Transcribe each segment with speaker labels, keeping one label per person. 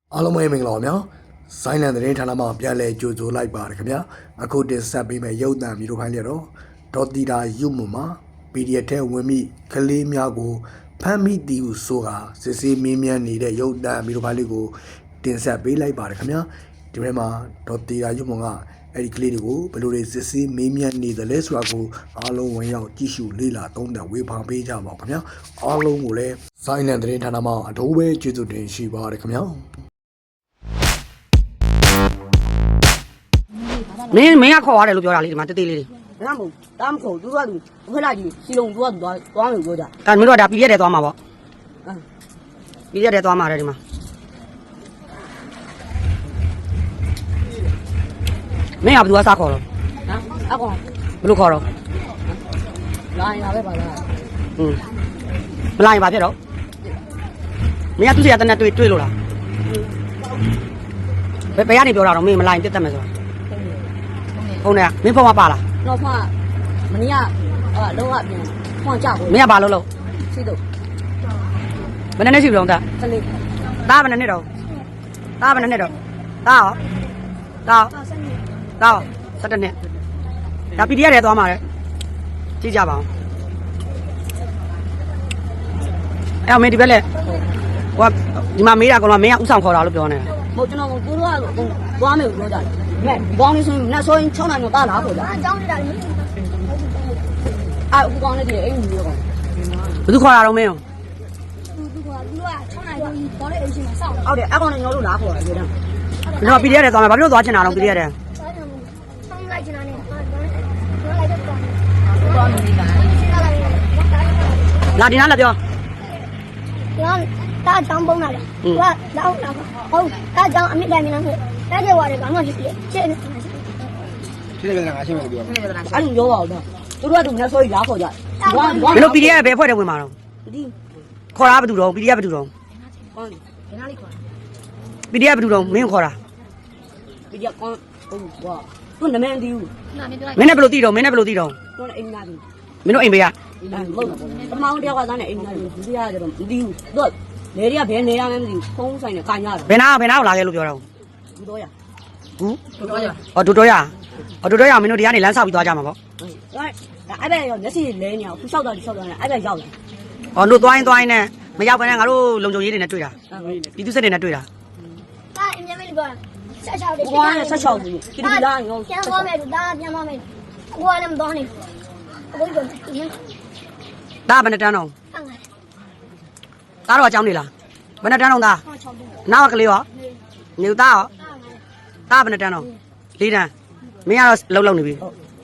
Speaker 1: အားလုံးပဲမင်္ဂလာပါဗျာ။ဆိုင်းလန်သတင်းဌာနမှပြန်လည်ကြိုဆိုလိုက်ပါရခင်ဗျာ။အခုတင်ဆက်ပေးမယ့်ရုပ်သံမျိုးတို့ဖိုင်းလျက်တော့ဒေါ်တီတာယူမမှာ PDF ထဲဝင်မိကလေးများကိုဖမ်းမိသည်ဟုဆိုတာစစ်ဆေးမင်းမြန်းနေတဲ့ရုပ်သံမျိုးတို့ဖိုင်းလေးကိုတင်ဆက်ပေးလိုက်ပါရခင်ဗျာ။ဒီထဲမှာဒေါ်တီတာယူမကအဲ့ဒီကလေးတွေကိုဘယ်လိုတွေစစ်ဆေးမင်းမြန်းနေတယ်လဲဆိုတာကိုအားလုံးဝင်ရောက်ကြည့်ရှုလေ့လာသုံးသပ်ဝေဖန်ပေးကြပါဦးခင်ဗျာ။အားလုံးကိုလည်းဆိုင်းလန်သတင်းဌာနမှအထူးပဲကျေးဇူးတင်ရှိပါရခင်ဗျာ။
Speaker 2: မင်းကခေါ်ရတယ်လို့ပြောတာလေဒီမှာတေးသေးလေးတွေ
Speaker 3: ဒါမှမဟုတ်ဒါမှမဟုတ်သူကသူအခွက်လိုက်ကြီးစီလုံးသူကသွားမယ်ပြောကြ
Speaker 2: ဒါမင်းတို့ကဒါပြည့်ရတယ်သွားမှာပေါ့ပြည့်ရတယ်သွားမှာတယ်ဒီမှာမင်းကဘယ်သူကစားခေါ်တော့
Speaker 3: ဟမ်အကောင်
Speaker 2: ဘယ်လိုခေါ်တော့
Speaker 3: လာရင်လာပဲပါလား
Speaker 2: မလာရင်ဘာဖြစ်တော့မင်းကသူ့စီကတနက်တွေ့လို့လားဘယ်ကနေပြောတာတော့မင်းမလာရင်တက်တက်မယ်ဆိုတော့ဖုန်းနဲ့မင်းဖုန်းကပါလား
Speaker 3: တော့မှမနေ့ကလုံးဝပြန်ဖွင့်ကြဘူး
Speaker 2: မင်းကဘာလို့
Speaker 3: ရှိတော့
Speaker 2: ဘယ်နဲ့ရှိပြီလုံးသား
Speaker 3: ကလေး
Speaker 2: သားဘယ်နဲ့တော့သားဘယ်နဲ့တော့သားရောသား17နှစ်ဒါ PDF ထဲသွားမှာလေကြည့်ကြပါအောင်အဲ့မင်းဒီဘက်လက်ဟိုဒီမှာမေးတာကောင်ကမင်းကဥဆောင်ခေါ်တာလို့ပြောနေတာ
Speaker 3: မဟုတ်ကျွန်တော်ကိုတို့ကသွားမယ်ပြောကြတယ်မဲဘောင်းလေးဆိုရင်နဲ့ဆိုရင်6နိုင်တော့တာလားခေါ်ကြအကြောင်းနေတာလေအခုကောင်းနေတယ်အိမ်ကြီးရော
Speaker 2: ဘယ်သူခေါ်တာတော့မင်းရော
Speaker 4: သူက6နိုင်တော့ဘောလေးအိမ်ရှိမှာစောင့်နေ
Speaker 3: ဟုတ်တယ်အကောင်နဲ့ညောလို့လားခေါ်တယ်ပြောတယ်
Speaker 2: ကျွန်တော် PDF ထဲသွားမှာဘာဖြစ်လို့သွားချင်တာတော့ PDF ထဲ
Speaker 4: ဆောင်းလိုက်ချင်တာနဲ့တော့လိုက်တော့
Speaker 3: သွားမယ်လား
Speaker 2: လာဒီနားလာပြော
Speaker 4: ကျွန်တော်တားချောင်းပုံးလာတယ်သူကလောက်လာဟုတ်တားချောင်းအမြင့်တိုင်းမင်းလို့တားကျဝရတယ်ဘာမှရှိတယ်ရှင်းနေ
Speaker 3: အဲ့လိုပြောပါဦးတော့သူတို့ကသူနဲ့ဆိုရင်လားခေါ်ကြ
Speaker 2: မင်းတို့ PDF ဘယ်ဖွဲ့ထဲဝင်မှာတော့
Speaker 3: ဒီ
Speaker 2: ခေါ်တာဘယ်သူတော့ PDF ဘယ်သူတော့
Speaker 3: ကောင်းတယ်နားလေးခေါ်
Speaker 2: PDF ဘယ်သူတော့မင်းခေါ်တာ
Speaker 3: ဒီကကောင်းဟုတ်ကွာသူနမန်ဒီဦး
Speaker 2: မင်းနဲ့ဘယ်လိုသိတော့မင်းနဲ့ဘယ်လိုသိတော့
Speaker 3: သူအိမ်သားဒီ
Speaker 2: မင်းတို့အိမ်ဘေးက
Speaker 3: မဟုတ်ပထမတယောက်ကသားနဲ့အိမ်သားဒီဒီကကျတော့မသိဘူးသူကလေတွေကဘယ်နေရမှန်းမသိဘူးဖုန်းဆိုင်နဲ့ကန်ရတယ်
Speaker 2: ဘယ်နာကိုလာခဲ့လို့ပြောတာ
Speaker 3: ဘူးတော့ရ
Speaker 2: ဘူး
Speaker 3: တော့ရ
Speaker 2: အော်ဒိုတော်ရမင်းတို့ဒီကနေလမ်းဆောက်ပြီးသွားကြမှာပေါ့
Speaker 3: အဲ့ဘက်ရောမျက်စိလဲနေအောင်ခုလျှောက်တော့လျှောက်တော့အဲ့ဘက်ရောက်လာ
Speaker 2: အော်တို့သွားရင်နဲ့မရောက်ဘဲနဲ့ငါတို့လုံခြုံရေးတွေနဲ့တွေ့တာပြည်သူစစ်တွေနဲ့တွေ့တာ
Speaker 4: တားအမြဲမလို့ပြောဆက်ချောက်တယ်
Speaker 3: ဘွားနဲ့ဆက်ချောက်ဘူးဒီလိုလာရော
Speaker 4: ပြန်သွားမယ်တားပြန်သွားမယ်အကွာလည်းမသွားနိုင်အခုကြောင့်ဒီ
Speaker 2: ဒါဘယ်နဲ့တန်းတော့
Speaker 4: ဆန်းတယ်
Speaker 2: သားတော့အကြောင်းနေလားဘယ်နဲ့တန်းတော့သား
Speaker 4: 6ချောင်းတယ်
Speaker 2: နောက်ကလေးရောနေသားရောသားဘယ်နဲ့တန်းတော့၄တန်းမင်းကတော့လုံနေပြီ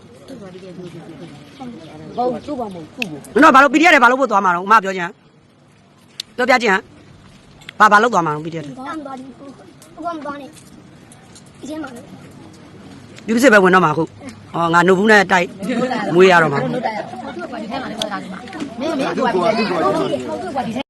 Speaker 3: ဘောသူ့ဘာမဟုတ်ခုဘူး
Speaker 2: မင်းတို့ဘာလို့ PDF တွေဘာလို့ပို့သွားမှာတော့အမပြောချင်ပြောပြချင်ဘာလို့သွားမှာတော့ PDF တွေ
Speaker 4: ကောင်းသွားတယ်အခုမသွားနိုင်ဒီထဲမှာ
Speaker 2: ပြည်သူစစ်ပဲဝင်တော့မှာအခုဟောငါနှုတ်ဘူးနဲ့တိုက်မွေးရတော့မှာ
Speaker 3: မင်းသူ့ကွာဒီထဲ